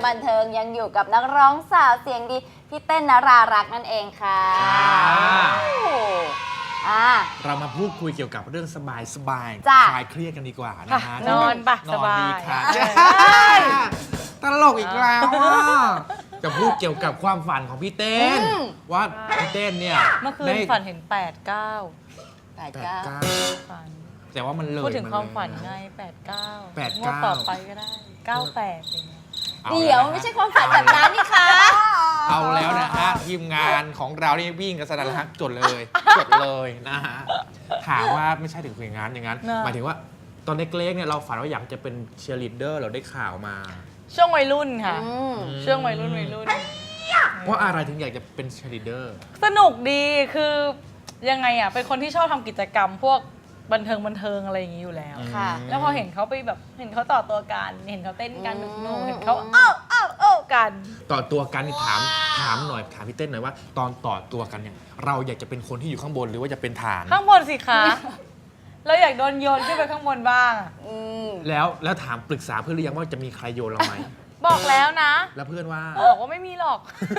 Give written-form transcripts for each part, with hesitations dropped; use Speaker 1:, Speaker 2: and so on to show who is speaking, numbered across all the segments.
Speaker 1: บันเทิงยังอยู่กับนักร้องสาวเสียงดีพี่เต้นนรารักษ์นั่นเองค่ะ
Speaker 2: เรามาพูดคุยเกี่ยวกับเรื่องสบายคลายเครียดกันดีกว่านะฮะ
Speaker 3: นอนปะ
Speaker 2: น
Speaker 3: ส
Speaker 2: อน
Speaker 3: บา
Speaker 2: ดี
Speaker 3: ย
Speaker 2: ค่ะตลกอีกแล้วจะพูดเกี่ยวกับความฝันของพี่เต้นว่าพี่เต้นเนี่ย
Speaker 3: เมื่อคืนฝันเห็น8-9
Speaker 1: 89
Speaker 3: ฝัน
Speaker 2: แต่ว่ามันเลย
Speaker 3: พูดถึงความฝันไง8-9งวดต่อไปก็ได้98อย่างเงี้ย
Speaker 1: เดี๋ยวไม่ใช่ความฝันแบบนั้นนี่คะ
Speaker 2: เอาแล้วนะฮะทีมงานของเรานี่วิ่งกันสนั่นละฮะจดเลยนะฮะถามว่าไม่ใช่ถึงอย่างนั้นหมายถึงว่าตอนเล็กๆเนี่ยเราฝันว่าอยากจะเป็นเชียร์ลีดเดอร์เราได้ข่าวมา
Speaker 3: ช่วงวัยรุ่นค่ะช่วงวัยรุ่น
Speaker 2: เพราะอะไรถึงอยากจะเป็นเชียร์ลีดเดอร์
Speaker 3: สนุกดีคือยังไงอ่ะเป็นคนที่ชอบทำกิจกรรมพวกบันเทิงอะไรอย่างนี้อยู่แล้ว
Speaker 1: ค่ะ
Speaker 3: แล้วพอเห็นเขาไปแบบเห็นเขาต่อตัวกันเห็นเขาเต้นกันหนุกๆเห็นเขาอ้าวกัน
Speaker 2: ต่อตัวกันนี่ถามหน่อยถามพี่เต้นหน่อยว่าตอนต่อตัวกันเนี่ยเราอยากจะเป็นคนที่อยู่ข้างบนหรือว่าจะเป็นฐาน
Speaker 3: ข้างบนสิคะเราอยากโดนโยนขึ้นไปข้างบนบ้าง
Speaker 2: แล้วถามปรึกษาเพื่อนหรือยังว่าจะมีใครโยนเราไหม
Speaker 3: บอกแล้วนะ
Speaker 2: แล้วเพื่อนว่า
Speaker 3: บอกว่าไม่มีหรอก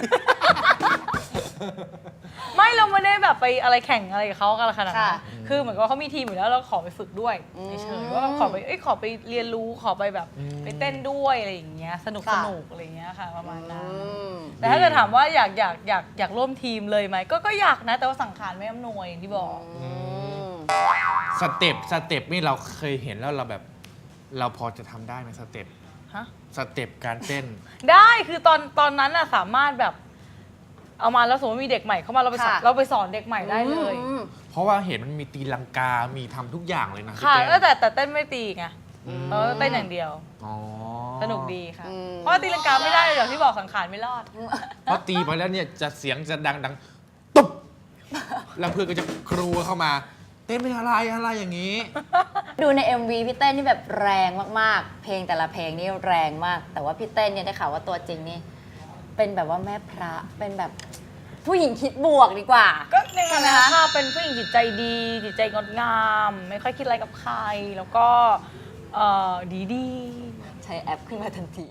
Speaker 3: ไม่เราไม่ได้แบบไปอะไรแข่งอะไรกับเขากันขนาดนั้นคือเหมือนกับเขามีทีมอยู่แล้วเราขอไปฝึกด้วยเฉยๆว่าขอไปเรียนรู้ขอไปแบบไปเต้นด้วยอะไรอย่างเงี้ยสนุกอะไรอย่างเงี้ยค่ะประมาณนั้นแต่ถ้าเกิดถามว่าอยากร่วมทีมเลยไหมก็อยากนะแต่ว่าสังขารไม่อำนวยอย่างที่บอก
Speaker 2: สเต็ปนี่เราเคยเห็นแล้วเราแบบเราพอจะทำได้ไหมสเต็ป
Speaker 3: ฮะ
Speaker 2: สเต็ปการเต้น
Speaker 3: ได้คือตอนนั้นน่ะสามารถแบบเอามาแล้วสมมติมีเด็กใหม่เข้ามาเราไปสอนเด็กใหม่ได้เลย
Speaker 2: เพราะว่าเห็นมันมีตีลังกา มีทำทุกอย่างเลยนะพี่
Speaker 3: ค่ะ
Speaker 2: เต้น
Speaker 3: แต่เต้นไม่ตีไงเต้นอย่างเดียว
Speaker 2: อ๋อ
Speaker 3: สนุกดีค่ะเพราะว่าตีลังกาไม่ได้อย่างที่บอกสังขารไม่รอด
Speaker 2: เพราะตีไปแล้วเนี่ยจะเสียงจะดังตุ๊บแล้วเพื่อนก็จะครูเข้ามา เต้นเป็นอะไรอย่างนี้
Speaker 1: ดูใน MV พี่เต้นนี่แบบแรงมากๆเพลงแต่ละเพลงนี่แรงมากแต่ว่าพี่เต้นเนี่ยได้ข่าวว่าตัวจริงนี่เป็นแบบว่าแม่พระเป็นแบบผู้หญิงคิดบวกดีกว่า
Speaker 3: ก็ใน
Speaker 1: ใช่
Speaker 3: ฐา
Speaker 1: ไหม
Speaker 3: นะคะ
Speaker 1: คะ
Speaker 3: เป็นผู้หญิงจิตใจดีจิตใจงดงาม ไม่ค่อยคิดอะไรกับใครแล้วก็ดี
Speaker 1: ใช้แอปขึ้นมาทันที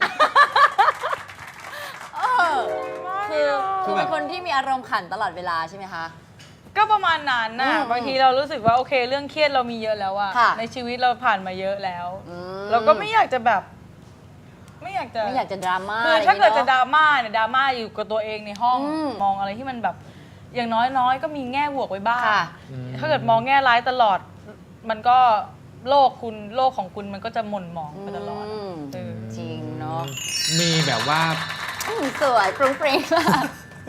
Speaker 3: คือ
Speaker 1: คือเป็นคนที่มีอารมณ์ขันตลอดเวลาใช่ไหมคะ
Speaker 3: ก็ประมาณนั้นน่ะบางทีเรารู้สึกว่าโอเคเรื่องเครียดเรามีเยอะแล้วอะ
Speaker 1: ค่ะ
Speaker 3: ในชีวิตเราผ่านมาเยอะแล้ว
Speaker 1: อืม
Speaker 3: เราก็ไม่อยากจะแบบไม่อยากจะ
Speaker 1: ดราม่า
Speaker 3: คือถ้าเกิดจะ
Speaker 1: อย่งนี้
Speaker 3: ดราม่าเนี่ยดราม่าอยู่กับตัวเองในห้อง มองอะไรที่มันแบบอย่างน้อยก็มีแง่บวกไว้บ้าง
Speaker 1: ค่ะ
Speaker 3: ถ้าเกิดมองแง่ร้ายตลอด มันก็โลกของคุณมันก็จะหม่นหมองไปตลอด
Speaker 1: จริงเนาะ
Speaker 2: มีแบบว่า
Speaker 1: สวยปรุงปริงมาก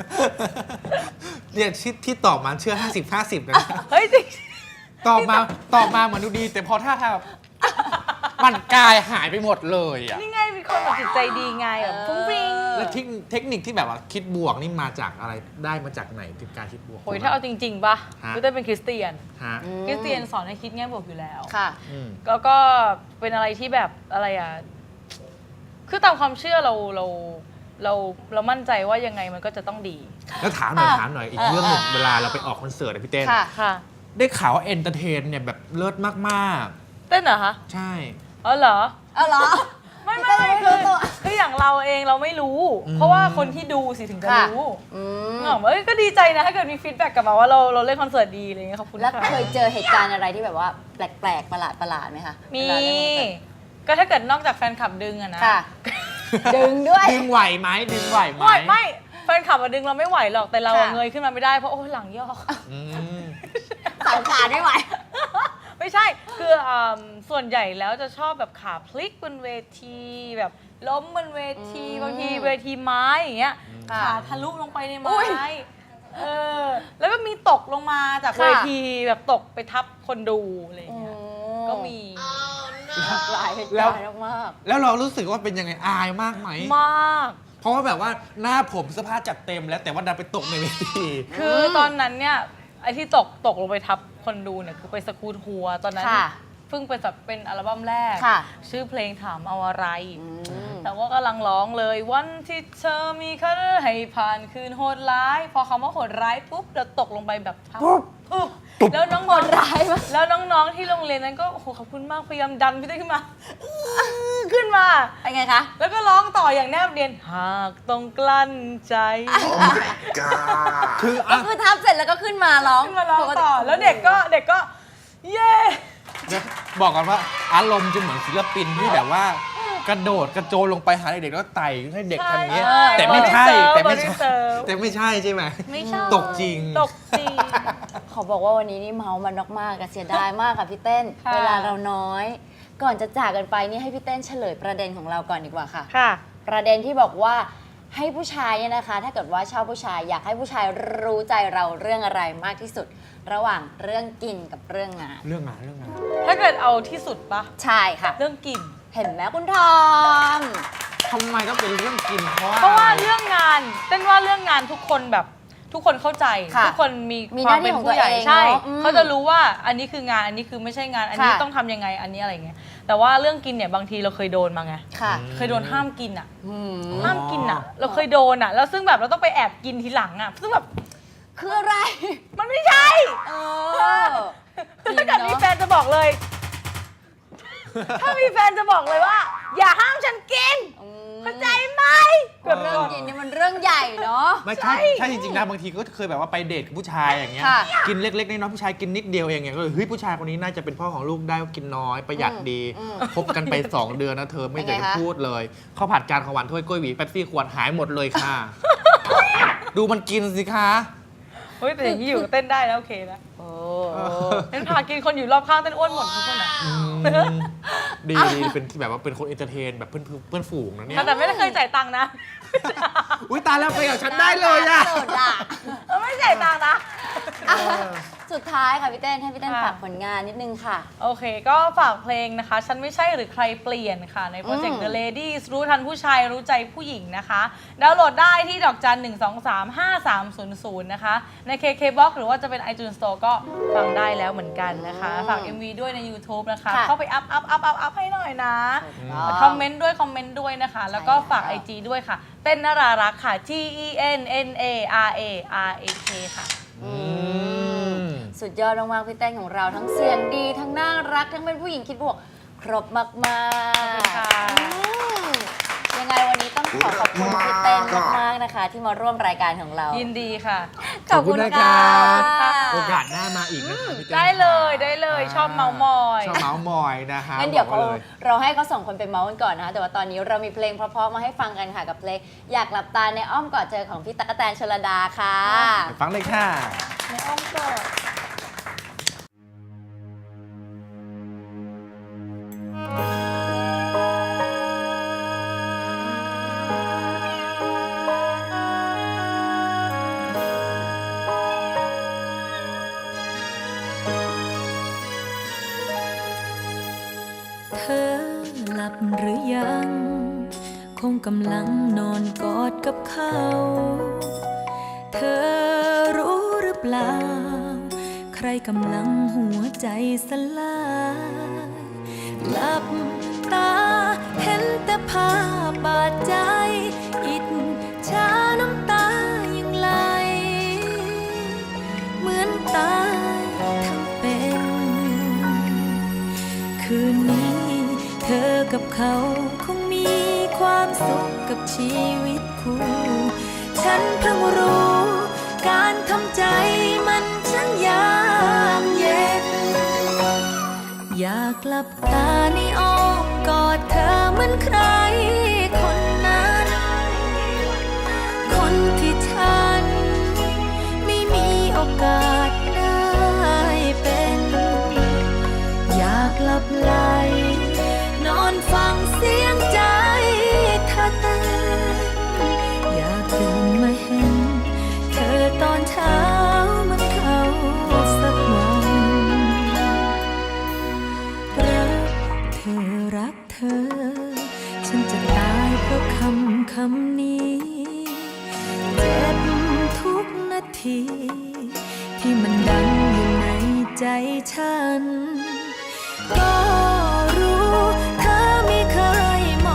Speaker 2: เนี่ยที่ตอบมาเชื่อ 50-50นะ
Speaker 3: เฮ้ยจริง
Speaker 2: ตอบมาเหมือนดูดี แต่พอถ้าทางมันกายหายไปหมดเลยอ่ะ
Speaker 3: นี่ไงมีคนแบบจิตใจดีไงแบบฟุ้งฟริ้ง
Speaker 2: แล้วเทคนิคที่แบบว่าคิดบวกนี่มาจากอะไรได้มาจากไหนถึงการคิดบวก
Speaker 3: โอ้ยถ้าเอาจริงๆป่ะ
Speaker 2: ฮะ
Speaker 3: คือเต้ยเป็นคริสเตียน
Speaker 2: ฮะ
Speaker 3: คริสเตียนสอนให้คิดแง่บวกอยู่แล้ว
Speaker 1: ค่ะ
Speaker 2: อืม
Speaker 3: แล้วก็เป็นอะไรที่แบบอะไรอ่ะ คือตามความเชื่อเรามั่นใจว่ายังไงมันก็จะต้องดี
Speaker 2: แล้วถามหน่อยอีกเรื่องหนึ่งเวลาเราไปออกคอนเสิร์ตอะพี่เต้น
Speaker 1: ค่ะ
Speaker 3: ค่ะ
Speaker 2: ได้ข่าวว่าเอนเตอร์เทนเนี่ยแบบเลิศมาก
Speaker 3: เต้นเหรอคะ
Speaker 2: ๆ ใช่
Speaker 3: อ๋อเหรอ
Speaker 1: เอาเหรอ
Speaker 3: ไม่
Speaker 1: พี่เต้ยไม่รู้ตัว
Speaker 3: คืออย่างเราเองเราไม่รู้ เพราะว่าคนที่ดูสิถึงจะ
Speaker 1: ค่ะ
Speaker 3: รู้
Speaker 1: อืม
Speaker 3: เหงาเอ้ยก็ดีใจนะถ้าเกิดมีฟีดแบ็กกลับมาว่าเราเล่นคอนเสิร์ตดีอะไรเงี้ยขอบคุณ
Speaker 1: แล้ว
Speaker 3: ค่ะ
Speaker 1: เคยเจอเหตุการณ์อะไรที่แบบว่าแปลกๆประหลาดไหมคะ
Speaker 3: มี
Speaker 1: เวลาเล่นคอนเสิร์ต
Speaker 3: ก็ถ้าเกิดนอกจากแฟนคลับดึงอะนะ
Speaker 1: ค่ะ ดึงด้วย
Speaker 2: ดึงไหวไหม
Speaker 3: ไม่แฟนคลับอะดึงเราไม่ไหวหรอกแต่เราอะ
Speaker 1: ค่ะ
Speaker 3: เงยขึ้นมาไม่ได้เพราะโอ้ยหลังยอก
Speaker 2: อืม
Speaker 1: สังขารไม่ไหว
Speaker 3: ไม่ใช่คือส่วนใหญ่แล้วจะชอบแบบขาพลิกบนเวทีแบบล้มบนเวทีบางทีเวทีไม้อย่างเงี้ย
Speaker 1: ค่ะ
Speaker 3: ขาทะลุลงไปใน
Speaker 1: อุ๊
Speaker 3: ไม้
Speaker 1: ย
Speaker 3: แล้วก็มีตกลงมาจาก
Speaker 1: ค่ะ
Speaker 3: เวทีแบบตกไปทับคนดูอะไรอย่างเงี้ยก็มี
Speaker 1: หลายเหตุการณ์มาก
Speaker 2: แล้วเรารู้สึกว่าเป็นยังไงอายมากไหม
Speaker 3: มาก
Speaker 2: เพราะว่าแบบว่าหน้าผมเสื้อผ้าจัดเต็มแล้วแต่ว่าดันไปตกในเวที
Speaker 3: คือตอนนั้นเนี่ยไอ้ที่ตกลงไปทับคนดูเนี่ยคือไปสกูตหัวตอนนั้น
Speaker 1: ค่ะ
Speaker 3: เพิ่งเป็นอัลบั้มแรก
Speaker 1: ค่ะ
Speaker 3: ชื่อเพลงถามเอาอะไร
Speaker 1: อืม
Speaker 3: แต่ว่ากำลังร้องเลยวันที่เธอมีคันให้ผ่านคืนโหดร้าย พอคำว่าโหดร้ายปุ๊บเราตกลงไปแบบทับปุ๊บแล้วน้องๆ
Speaker 1: ร้ายมาก
Speaker 3: แล้วน้องๆที่โรงเรียนนั้นก็โอ้โหขอบคุณมากพยายามดันพี่เต้ยขึ้นมาขึ้นมา
Speaker 1: เป็นไงคะ
Speaker 3: แล้วก็ร้องต่ออย่างแนบเนียนหากต้องกลั้นใจ
Speaker 2: คือ
Speaker 1: ก็
Speaker 2: อ่ะ
Speaker 1: คือทับเสร็จแล้วก็ขึ้นมาร้อง
Speaker 3: ขึ้นมาร้องต่อ แล้วเด็กก็เย้
Speaker 2: บอกกันว่าอารมณ์จะเหมือนศิลปินที่แบบว่ากระโดดกระโจนลงไปหาเด็กๆแล้วไต่ให้เด็กทำอย่างนี้ยแต่ไม่ใช่ใช่ไหม
Speaker 3: ไม่ใช่
Speaker 2: ตกจริง
Speaker 3: ตกจริง
Speaker 1: ขอบอกว่าวันนี้นี่เมามันมากๆอะเสียดายมากค่ะพี่เต้น
Speaker 3: ค่ะ
Speaker 1: เวลาเราน้อย ก่อนจะจากกันไปนี่ให้พี่เต้นเฉลยประเด็นของเราก่อนดีกว่าค่ะ
Speaker 3: ค่ะ
Speaker 1: ประเด็นที่บอกว่าให้ผู้ชายเนี่ยนะคะ ถ้าเกิดว่าชอบผู้ชายอยากให้ผู้ชายรู้ใจเราเรื่องอะไรมากที่สุด ระหว่างเรื่องกินกับเรื่องงาน
Speaker 2: เรื่องงาน
Speaker 3: ถ้าเกิดเอาที่สุดปะ
Speaker 1: ใช่ค่ะ
Speaker 3: เรื่องกิน
Speaker 1: เห็นไหมคุณทอม
Speaker 2: ทำไมต้องเป็นเรื่องกินเพราะ
Speaker 3: เพราะว่า
Speaker 2: อะไร
Speaker 3: เรื่องงานเต้นว่าเรื่องงานทุกคนแบบทุกคนเข้าใจ
Speaker 1: ค่ะ
Speaker 3: ทุกคนมี
Speaker 1: มี
Speaker 3: ความเป็น
Speaker 1: หน้าที่ของ
Speaker 3: ผู้ใหญ่
Speaker 1: ตัวเอง
Speaker 3: ใช่
Speaker 1: เนอะอืม
Speaker 3: เขาจะรู้ว่าอันนี้คืองานอันนี้คือไม่ใช่งานอันนี้
Speaker 1: ค่ะ
Speaker 3: ต้องทำยังไงอันนี้อะไรเงี้ยแต่ว่าเรื่องกินเนี่ยบางทีเราเคยโดนมาไง
Speaker 1: ค่ะ
Speaker 3: เคยโดนห้ามกินอ่ะ
Speaker 1: อืม
Speaker 3: ห้ามกินอ่ะ เราเคยโดนอ่ะแล้วซึ่งแบบเราต้องไปแอบกินทีหลังอ่ะซึ่งแบบ
Speaker 1: คืออะไร
Speaker 3: มันไม่ใช่
Speaker 1: เออ
Speaker 3: ถ้าเกิดมีแฟนจะบอกเลย ถ้ามีแฟนจะบอกเลยว่า อย่าห้ามฉันกินเข้าใจไหมแบบ
Speaker 1: เรื่องกินนี่มันเรื่องใหญ่เนาะ
Speaker 2: ไม่ใช่ใช่จริงๆนะบางทีก็เคยแบบว่าไปเดทกับผู้ชายอย่างเงี้ย
Speaker 1: ค่ะ
Speaker 2: กินเล็กๆน้อยๆผู้ชายกินนิดเดียวเองเนี่ยก็เลยเฮ้ยผู้ชายคนนี้น่าจะเป็นพ่อของลูกได้กินน้อยประหยัดดีคบกันไป 2 เดือนนะเธอไม่เคยพูดเลยข้าวผัดจานของหวานถ้วยกล้วยหวีเป๊ปซี่ขวดหายหมดเลยค่ะ ดูมันกินสิคะ
Speaker 3: เฮ้ยแต่อย่างนี้อยู่ก็เต้นได้แล้วโอเคนะ
Speaker 1: โอ้
Speaker 3: เต้นพากินคนอยู่รอบข้างเต้นอ้วนหมดทุกคนอ่ะ
Speaker 2: ดีเป็นแบบว่าเป็นคนเอนเตอร์เทนแบบเพื่อนฝูงนะเนี่ย
Speaker 3: แต่ไม่ได้เคยจ่ายตังค์นะ
Speaker 2: อุ้ยตายแล้วไปกับฉันได้เลยอะ
Speaker 1: สุดอะ
Speaker 3: ไม่จ่ายตังค์นะ
Speaker 1: อ่ะสุดท้ายค่ะพี่เต้นให้พี่เต้น
Speaker 3: ค่ะ
Speaker 1: ฝากผลงานนิดนึงค่ะ
Speaker 3: โอเค ก็ฝากเพลงนะคะ ฉันไม่ใใช่หรือใครเปลี่ยนค่ะ ในโปรเจกต์ The Ladies รู้ทันผู้ชายรู้ใจผู้หญิงนะคะ ดาวน์โหลดได้ที่ดอกจัน 1235300 นะคะ ใน KKBox หรือว่าจะเป็น iTunes Store ก็ฟังได้แล้วเหมือนกันนะคะ ฝาก MV ด้วยใน YouTube นะคะ
Speaker 1: ค่ะ
Speaker 3: เข้าไปอัพให้หน่อยนะ คอมเมนต์ด้วยนะคะ แล้วก็ฝาก
Speaker 1: ใช่แล้ว
Speaker 3: IG ด้วยค่ะ เต้นนารารักค่ะ TENNARARAK ค่ะ
Speaker 1: สุดยอดมากๆพี่เต้นของเราทั้งเสียงดีทั้งน่ารักทั้งเป็นผู้หญิงคิดบวกครบมาก
Speaker 3: ขอบคุณค่ะ
Speaker 1: ยังไงวันนี้ต้องขอขอบคุณพี่เต้นมากๆนะคะ ที่มาร่วมรายการของเรา
Speaker 3: ยินดีค่ะ
Speaker 1: ขอบคุณ
Speaker 2: ขอบคุณนะค
Speaker 1: ค่ะ
Speaker 2: รับ โอกาสหน้ามาอีกนะคะพี่เต้น
Speaker 3: ได้เลยชอบเมามอย
Speaker 2: ชอบเมาส์มอยนะคะ
Speaker 1: งั้นเดี๋ยว
Speaker 2: บอกไล
Speaker 1: เราให้เขาสองคนไปเมาส์กันก่อนนะคะแต่ว่าตอนนี้เรามีเพลงเพราะๆมาให้ฟังกันค่ะกับเพลงอยากหลับตาในอ้อมกอดเธอของพี่ตั๊กแตนชลดาค่ะ
Speaker 2: ไปฟังเลยค่ะ
Speaker 3: ในอ้อมกอด
Speaker 4: เธอหลับหรือยัง คงกำลังนอนกอดกับเขา เธอรู้หรือเปล่า ใครกำลังหัวใจสลายหลับตาเห็นแต่ภาพบาดใจอิจฉาน้ำตายังไหลเหมือนตายทั้งเป็น คืนนี้เธอกับเขาคงมีความสุขกับชีวิตคู่ ฉันเพิ่งรู้ การทำใจมันช่างยากเย็น อยากหลับตาในอ้อมกอดเธอเหมือนใครคนนั้น คนที่ฉันไม่มีโอกาสได้เป็น อยากหลับไหลนอนฟังเสียงใจเธอเต้นอยากตื่นมาเห็นเธอตอนเช้าเหมือนเขาสักวันรักเธอฉันจะตายเพราะคำนี้เจ็บทุกนาที ที่มันดังอยู่ในใจฉัน ก็รู้เธอไม่เคยม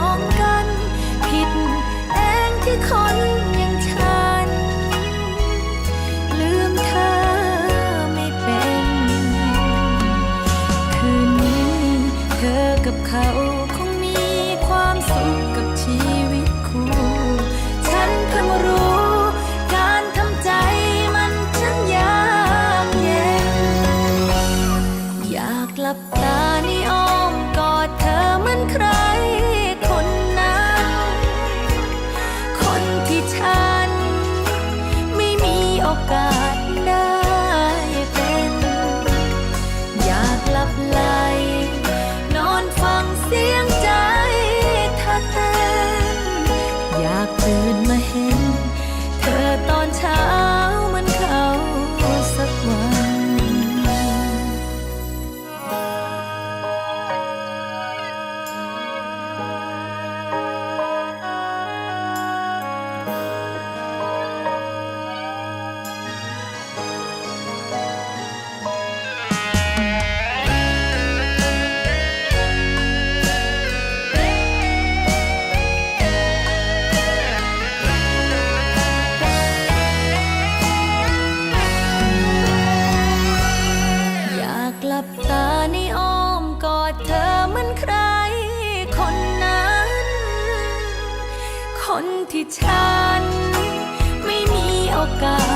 Speaker 4: ก้าว